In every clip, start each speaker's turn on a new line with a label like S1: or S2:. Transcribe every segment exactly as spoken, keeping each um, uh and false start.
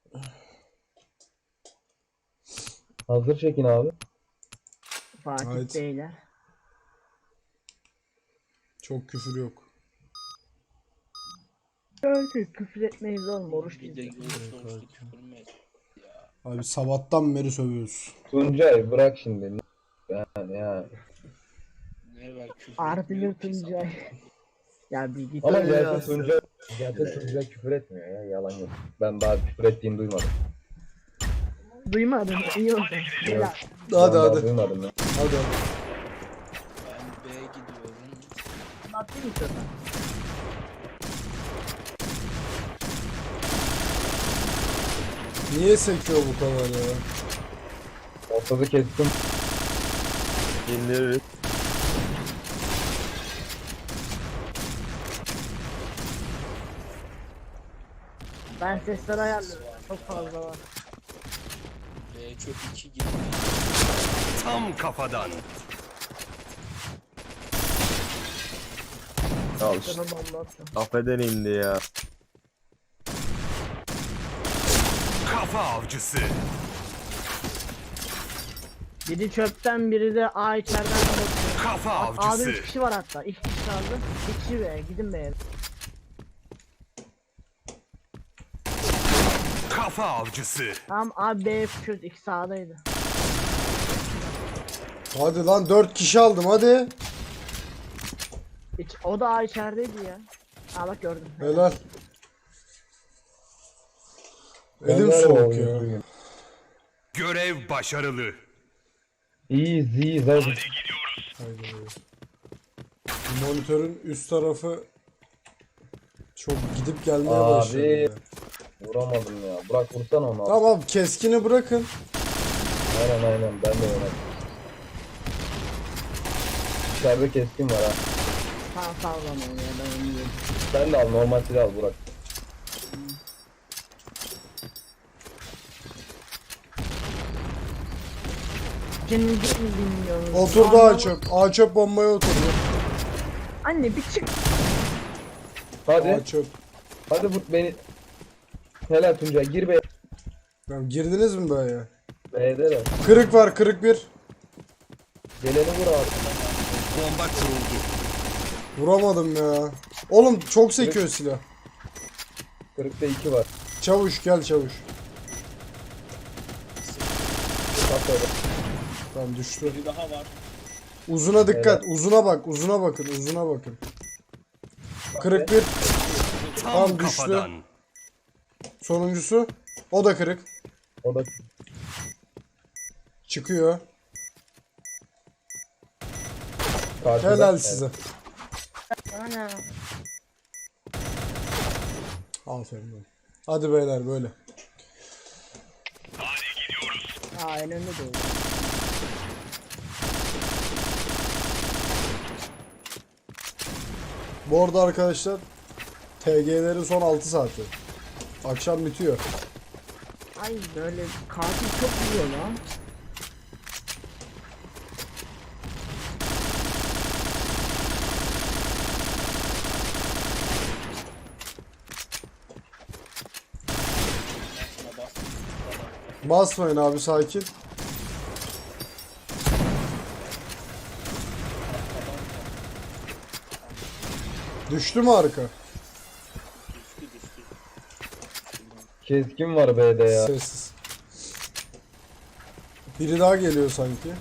S1: Hazır çekin abi.
S2: Fatih
S3: Evet.
S2: Beyler.
S3: Çok küfür yok.
S2: Evet, küfür etmeyiz oğlum, oruç
S4: Bir de
S2: bizde.
S4: görüş oruçlu küfür mü et ya?
S3: Abi sabahtan beri sövüyoruz.
S1: Tuncay bırak şimdi. Yani ya.
S4: Ne var küfür
S2: Ardılı
S4: etmiyor ki
S2: Tuncay.
S4: sabahtan.
S2: Ya bir git.
S1: Ama
S2: öyle
S1: gerçek
S2: olsun.
S1: Tuncay, gerçek Tuncay küfür etmiyor ya. Yalan yok. Ben daha küfür ettiğini duymadım.
S2: Duymadın, iyi oldu. Helal.
S3: Hadi
S1: Ben daha
S3: hadi.
S1: Duymadım ya.
S3: Hadi hadi.
S4: Ben B'ye gidiyorum.
S2: Anlattın mı sana?
S3: Niye sekiyor bu kadar ya?
S1: Ortada kestim.
S5: İndiririz.
S2: Ben sesleri ayarlıyorum. Çok fazla var.
S4: B çok iki gibi.
S6: Tam kafadan.
S5: Al işte.
S2: Sana bomba attım.
S5: Affeden indi ya.
S6: Kafa avcısı.
S2: Biri çöpten, biri de A içeriden bakıyor.
S6: Kafa
S2: A'da
S6: avcısı.
S2: üç kişi var hatta. İki kişi kaldı. İki kişi be. Gidin be.
S6: Kafa avcısı.
S2: Tamam abi, B çöz. İki sağdaydı.
S3: Hadi lan dört kişi aldım hadi.
S2: İç, o da A içerideydi ya. Aa bak gördüm.
S3: Helal.
S1: Ben
S3: Elim
S1: de
S3: soğuk
S1: oyun
S3: ya.
S1: duyuyorum.
S6: Görev başarılı.
S1: İyiyiz iyiyiz hadi.
S3: Haydi. Monitörün üst tarafı çok gidip gelmeye
S1: Abi.
S3: başladı. ya.
S1: Vuramadım ya. Bırak vursana onu.
S3: Tamam keskini bırakın.
S1: Aynen aynen ben de oynadım. İçeride keskin var ha.
S2: Tamam sağ ol onu ya, ben onu yedim.
S1: Sen de al normal silah al Burak.
S2: Kendinizi mi dinliyorsunuz?
S3: Oturdu
S2: Anlamadım.
S3: A çöp. A çöp bombaya oturdu.
S2: Anne bir çık.
S1: Hadi.
S3: A çöp.
S1: Hadi vur beni. Helal Tuncay gir be.
S3: Tamam, girdiniz mi böyle?
S1: B'de de.
S3: Kırık var, kırık bir.
S1: Geleni vur abi.
S6: Bomba kuruldu.
S3: Vuramadım ya. Oğlum çok sekiyor silah.
S1: Kırıkta iki var.
S3: Çavuş gel çavuş.
S1: Bak öyle.
S3: Tamam düştü.
S4: Bir daha var.
S3: Uzuna dikkat. Uzuna bak. Uzuna bakın. Uzuna bakın. Kırık bir.
S6: Tam
S3: Tam düştü.
S6: kafadan.
S3: Sonuncusu. O da kırık.
S1: O da
S3: Çıkıyor.
S1: karşıda.
S3: Helal
S1: Evet.
S3: size.
S2: Ana.
S3: Aferin. lan. Hadi beyler böyle.
S2: Aa en önde doğru.
S3: Bu arada arkadaşlar T G'lerin son altı saati. Akşam bitiyor.
S2: Ay böyle katil çok vuruyor lan.
S4: Şuna bas.
S3: Basmayın abi sakin. Düştü mü arka?
S4: Düştü düştü.
S1: Keskin var B'de ya.
S3: Sessiz. Biri daha geliyor sanki.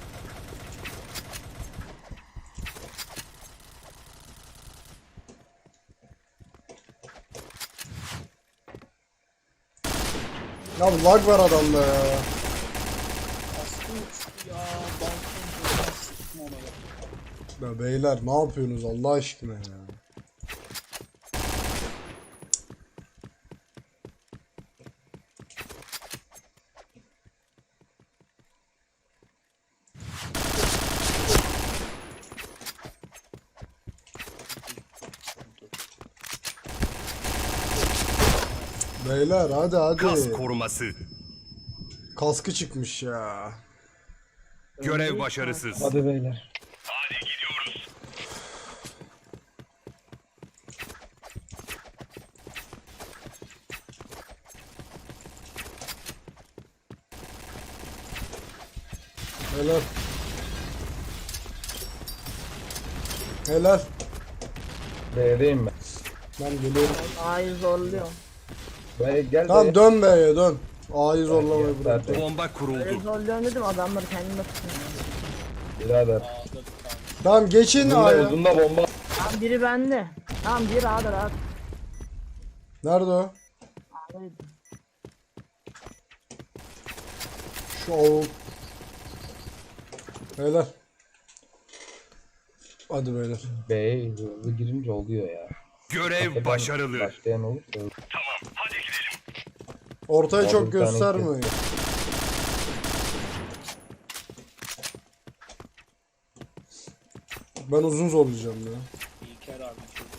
S3: Ya lag var adamda ya.
S4: Aslında uçtu ya. Balkon sıktım ona ya.
S3: Ya beyler ne yapıyorsunuz Allah aşkına ya. Beyler hadi hadi.
S6: Kas koruması.
S3: Kaskı çıkmış ya.
S6: Görev başarısız.
S1: Hadi beyler.
S3: Helal. Helal.
S1: B'deyim ben.
S3: Ben geliyorum.
S2: A'yı zorluyorum.
S1: B'ye gel
S3: Tamam
S1: B'ye.
S3: dön B'ye dön. A'yı zorlamayı
S1: Ya,
S3: bırak.
S1: zaten.
S6: Bomba
S2: Öyle
S6: kuruldu.
S2: zorluyorum dedim adamları kendime tutun.
S1: Birader.
S4: A'da bir tane.
S3: Tamam geçin
S1: Uzunda,
S3: A'ya.
S1: uzunda bomba.
S2: Tamam biri bende. Tamam biri A'da rahat.
S3: Nerede o?
S2: A'daydı.
S3: Şu avuk. Beyler. Hadi beyler.
S1: B'ye hızlı girince oluyor ya.
S6: Görev
S1: Hakikaten
S6: başarılı.
S1: Başlayan olursa.
S3: Ortaya
S1: Abi
S3: çok
S1: bir tane
S3: göstermeyin. Ben uzun zorlayacağım ya.
S4: İlker abi çocuk.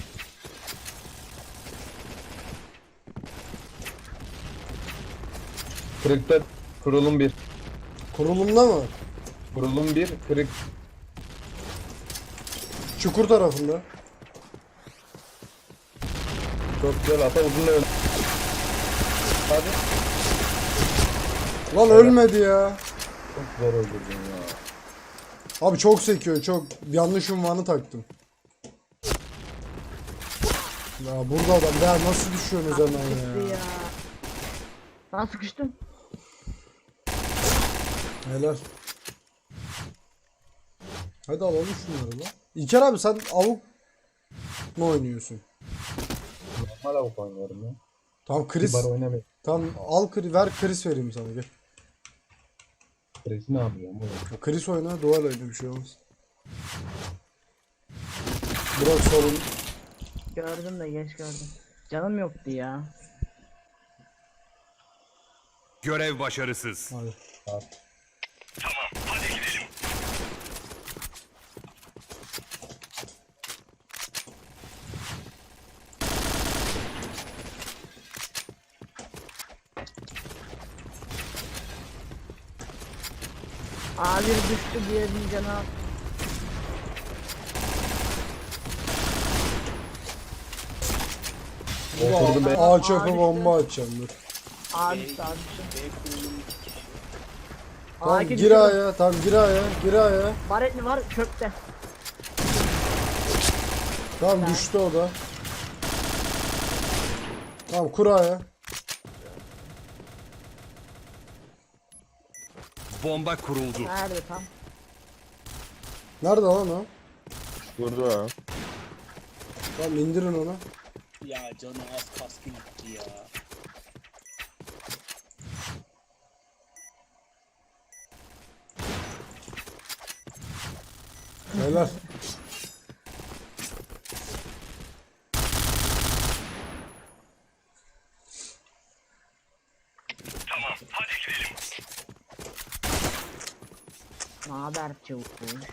S1: Kırıkta kurulum bir.
S3: Kurulumda mı?
S1: Kurulum bir. Kırık.
S3: Çukur tarafında.
S1: Çok güzel ata uzun öldü. Hadi.
S3: Lan ölmedi ya.
S1: Çok zor öldürdün ya.
S3: Abi çok sekiyor çok. Yanlış unvanı taktım. Ya burada adam. Ya nasıl düşüyorsunuz hemen
S2: Gitti
S3: ya?
S2: ya. Ben sıkıştım.
S3: Helal. Hadi alalım şunları lan. İlker abi sen avuk mu oynuyorsun?
S1: Normal avuk oynuyorum ya.
S3: Tamam Chris.
S1: Kibar oynamayayım.
S3: Tamam al Chris, ver Chris vereyim sana gel.
S1: Presi ne yapıyorum oğlum?
S3: Ya Chris oyna duvar oyna bir şey olmaz. Bırak sorun.
S2: Gördüm de geç gördüm. Canım yoktu ya.
S6: Görev başarısız.
S3: Hadi.
S1: Abi.
S2: A bir düştü diğerinin canı.
S1: Oturdum ben.
S3: A çöpü
S2: Abi
S3: bomba atacağım dur.
S2: A
S4: B,
S2: düştü A düştü.
S4: B kurulum iki kişi.
S2: A
S3: Tamam
S2: iki
S3: gir
S2: düştü.
S3: A'ya tamam gir A'ya gir A'ya.
S2: Baretli var çöpte.
S3: Tamam düştü o da. Tamam kur A'ya.
S6: Bomba kuruldu.
S2: Nerede tam?
S3: Nerede lan o?
S1: Burada.
S3: Tamam indirin onu.
S4: Ya canı az kaskı gitti ya.
S3: Helal.
S2: Ne haber çabuk.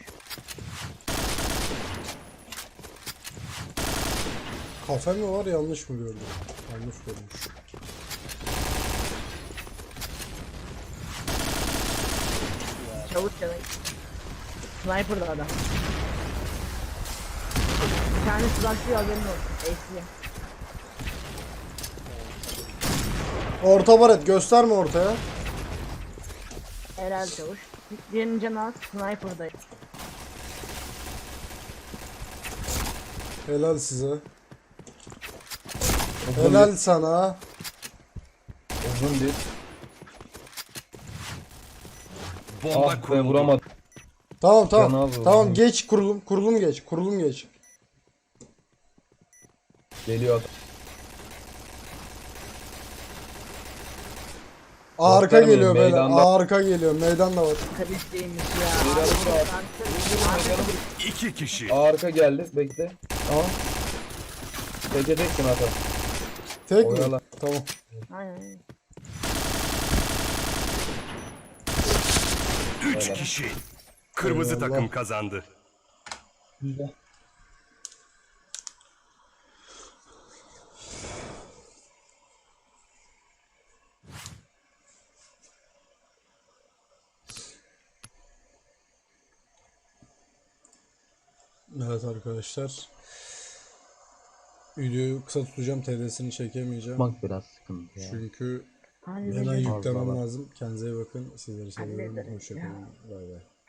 S3: Kafe mi var yanlış mı gördüm? Yanlış görmüş.
S2: Çabuk çabuk. Sniper'da adam. Bir tane sızaklıyor haberin olsun. Ace'li.
S3: Orta baret gösterme ortaya.
S2: Helal çavuş. Diğerinin canı az. Sniper'da.
S3: Helal size.
S1: Uzun
S3: Helal sana.
S1: bir. Uzun bir.
S6: Bomba
S1: Ah be
S6: kuruldu.
S1: vuramadım.
S3: Tamam
S1: Canı
S3: tamam.
S1: az oldu.
S3: Tamam geç kurulum. Kurulum geç. Kurulum geç.
S1: Geliyor adam.
S3: Arka
S1: Göstermeyin,
S3: geliyor böyle.
S1: meydanda.
S3: Arka geliyor. Meydan da var.
S2: Kalisteymiş ya.
S1: Biraz daha.
S6: İki kişi.
S1: Arka geldi. Bekle. Tamam. Teke teksin ata.
S3: Tek mi?
S1: Oyala.
S3: Tamam.
S2: Aynen.
S6: Üç
S1: Öyle.
S6: kişi. Kırmızı
S3: Eyvallah.
S6: takım kazandı.
S1: Güzel.
S3: Evet arkadaşlar. Videoyu kısa tutacağım. T D'sini çekemeyeceğim.
S1: Bak biraz sıkıntı ya.
S3: Çünkü Hemen
S2: Hallederiz.
S3: yüklemem
S1: Fazla.
S3: lazım. Kendinize iyi bakın. Sizleri seviyorum.
S2: Hallederiz
S3: Hoşçakalın. Bay bay.